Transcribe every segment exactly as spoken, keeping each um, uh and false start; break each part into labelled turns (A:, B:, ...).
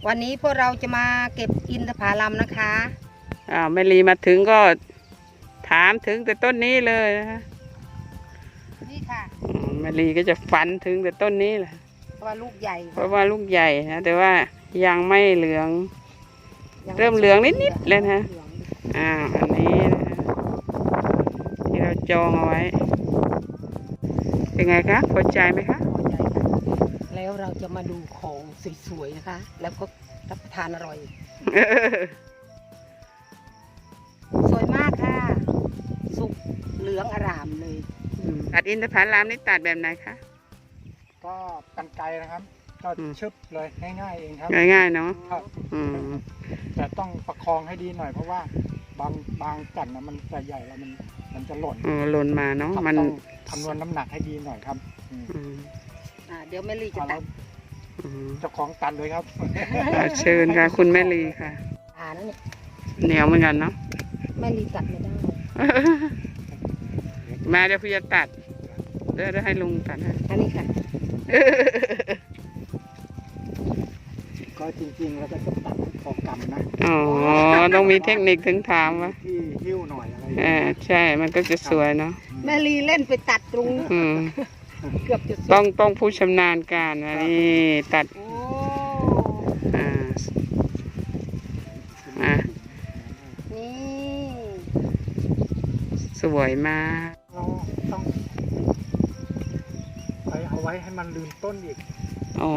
A: วันนี้พวกเราจะมาเก็บอินทผลัมนะคะ
B: อ่าแม่ลีมาถึงก็ถามถึงแต่ต้นนี้เลยนะคะ
A: นี่ค่ะ
B: แม่ลีก็จะฝันถึงแต่ต้นนี้แหละ
A: เพราะว่าลูกใหญ่
B: เพราะว่าลูกใหญ่นะแต่ว่ายังไม่เหลืองเริ่มเหลืองนิดๆแล้วนะอ่าอันนี้นะที่เราจองเอาไว้เป็นไงคะพอใจไหมคะ
A: พอใจค่ะแล้วเราจะมาดูของสวยๆนะคะแล้วก็รับประทานอร่อยสวยมากค่ะสุกเหลืองอร่ามเลย
B: ตัดอินทผลัมนี่ตัดแบบไหนคะ
C: ก็กรรไกรนะครับก็ชึบเลยง่ายๆเองครับ
B: ง่ายๆเนาะ
C: แต่ต้องประคองให้ดีหน่อยเพราะว่าบางบางจันนะมันจะใหญ่แล้วมันมันจะหล่น
B: อ๋อหล่นมาเนาะมัน
C: ต้องคำนวณน้ำหนักให้ดีหน่อยครับ
A: อ่าเดี๋ยวแม่ลีจะตัด
C: เจ้าของตัดเลยครับ
B: เชิญค่ะคุณแม่ลีค่ะ
A: อ่านั่น
B: เหนียวเหมือนกันเนาะ
A: แม่ลีตัดไม่ได้
B: มาเดี๋ยวพี่จะตัดเดี๋ยวให้ลุงตัดให้
A: อันนี้ค่ะ
C: ก็จริงๆแล้วก็จะตัดพอกำนะ
B: อ๋อต้องมีเทคนิคถึงถามว่า
C: ที่หิ้วหน่อยอะไร
B: อ่าใช่มันก็จะสวยเนาะ
A: แม่ลีเล่นไปตัดตรงเกือบจะ
B: ต้องต้องผู้ชำนาญการนะนี่ตัดอ่าอ่า
A: นี่
B: สวยมาก
C: เราต้องไปเอาไว้ให้มันลืมต้นอีก
B: อ๋อ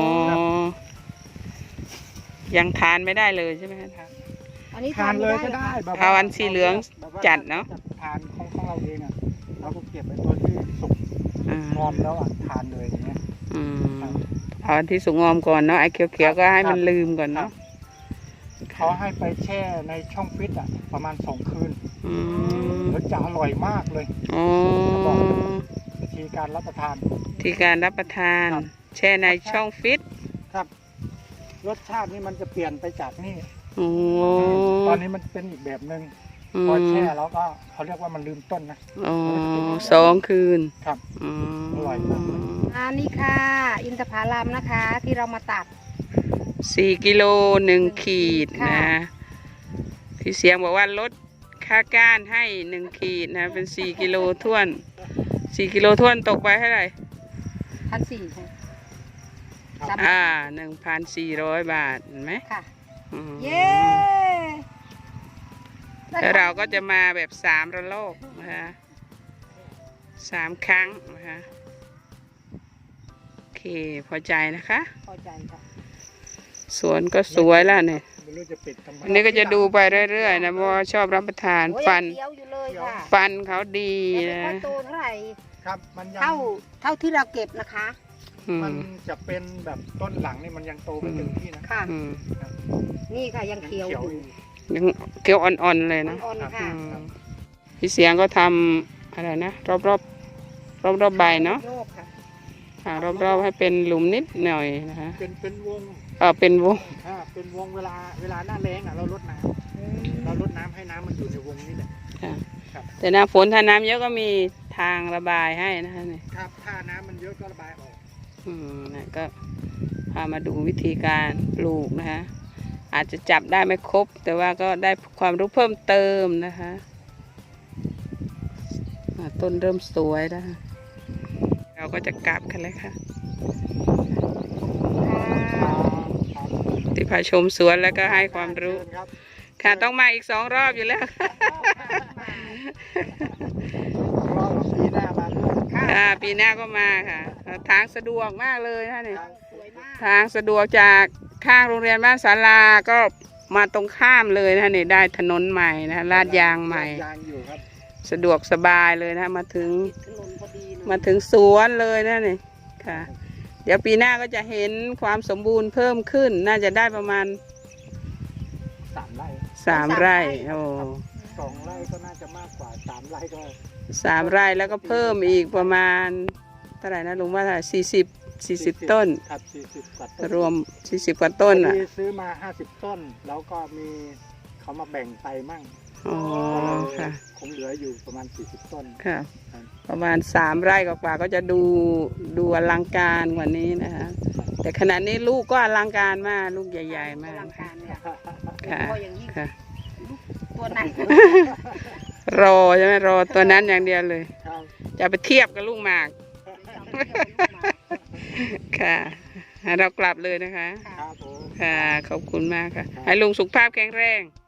B: ยังทานไม่ได้เลยใช่ไหมครับ
A: อันนี้
C: ทานเลยก็ได้
B: เอาอันสีเหลืองจัดเนาะ
C: ทานของของเราเองอ่ะเราก็เก็บไว้ตัวที่สุกงอมแล้วอ่ะทานเลยอย่างเงี้ย
B: เอาอันที่สุกงอมก่อนเนาะไอ้เขียวๆก็ให้มันลืมก่อนเนาะ
C: เขาให้ไปแช่ในช่องฟิตอ่ะประมาณสองคืนแล้วจะอร่อยมากเลยบอกวิธีการรับประทาน
B: วิธีการรับประทานแช่ในช่องฟิต
C: ครับรสชาตินี่มันจะเปลี่ยนไปจากนี่
B: ต
C: อนนี้มันเป็นอีกแบบหนึ่งพอแช่แล้วก็เขาเรียกว่ามันลืมต้นนะ
B: อ๋อสองคืน
C: ครับอร่อยมาก
A: อันนี้ค่ะอินทผลัมนะคะที่เรามาตัด
B: สี่กิโลหนึ่งขีดนะพี่เสียงบอกว่าลดค่าก้านให้หนึ่งขีดนะเป็นสี่กิโลท้วนสี่กิโลท้วนตกไปเท่าไหร่
A: พันสี่ค่ะ
B: อ่าหนึ่งพันสี่ร้อยบาทเห็นไหม
A: ค่ะเย้
B: แล้วเราก็จะมาแบบสามระลอกนะคะสามครั้งนะคะโอเคพอใจนะคะ
A: พอใจค่ะ
B: สวนก็สวยแล้วเนี่ยอันนี้ก็จะดูไปเรื่อยๆนะเพราะชอบรับประทานฟันฟันเขาดีนะ
A: โตเท่าไหร่
C: ครับมัน
A: เท่าเท่าที่เราเก็บนะคะ
C: มันจะเป็นแบบต้นหลังนี่มันยังโตไม่เต็มที่นะ
A: ค่ะนี่ค่ะยังเขียวอยู่
B: ยังเขียวอ่อนๆเลยนะพี่เสียงก็ทำอะไรนะรอบๆรอบรอบใบเนาะค่ะรอบๆให้เป็นหลุมนิดหน่อยนะคะ
C: เป็นเป็นวง
B: เออเป็นวง
C: อ่าเป็นวงเวลาเวลาหน้าแล้งอ่ะเราลดน้ำเราลดน้ำให้น้ำมันอยู่ในวงนี้แหละ
B: ค่ะแต่หน้าฝนถ้าน้ำเยอะก็มีทางระบายให้นะคะนี่
C: ครับถ้าน้ำมันเยอะก็ระบายออก
B: อืมนะก็พามาดูวิธีการปลูกนะคะอาจจะจับได้ไม่ครบแต่ว่าก็ได้ความรู้เพิ่มเติมนะคะต้นเริ่มสวยแล้วเราก็จะกลับกันเลยค่ะที่พาชมสวนแล้วก็ให้ความรู้ค่ะต้องมาอีกสองรอบอยู่แล้วค่ะปีหน้าก็มาค่ะทางสะดวกมากเลยท่านนี่ทางสะดวกจากข้างโรงเรียนบ้านศาลาก็มาตรงข้ามเลยนะนี่ได้ถนนใหม่นะลาดยางใหม่สะดวกสบายเลยนะมาถึงมาถึงสวนเลยนะนี่ค่ะเดี๋ยวปีหน้าก็จะเห็นความสมบูรณ์เพิ่มขึ้นน่าจะได้ประมาณ
C: สามไร่
B: สามไร่โอ้
C: สองไร่ก็น่าจะมากกว่าสามไร่ก็
B: สามไร่แล้วก็เพิ่มอีกประมาณเท่าไหร่นะลุงว่าเท่าไหร่สี่สิบสี่สิบต้น
C: ครับสี่สิบกว่าต้น
B: รวมสี่สิบกว่าต้นอ่ะ
C: ซื้อมาห้าสิบต้นแล้วก็มีเขามาแบ่งไปมั่ง
B: อ๋อค่ะ
C: คงเหลืออยู่ประมาณสี่สิบต้น
B: ค่ะประมาณสามไร่กว่าก็จะดูดูอลังการกว่านี้นะคะแต่ขณะนี้ลูกก็อลังการมากลูกใหญ่ๆมาก
A: อลังการเนี่ย
B: ค่ะ
A: พออย่างนี้
B: ค่ะ
A: ตัวไหน
B: รอใช่ไหมรอตัวนั้นอย่างเดียวเลย
C: ครับ
B: จะไปเทียบกับลูกหมากค่ะเรากลับเลยนะคะ
C: ครับผม
B: ค่ะขอบคุณมากค่ะ ให้ลุงสุขภาพแข็งแรง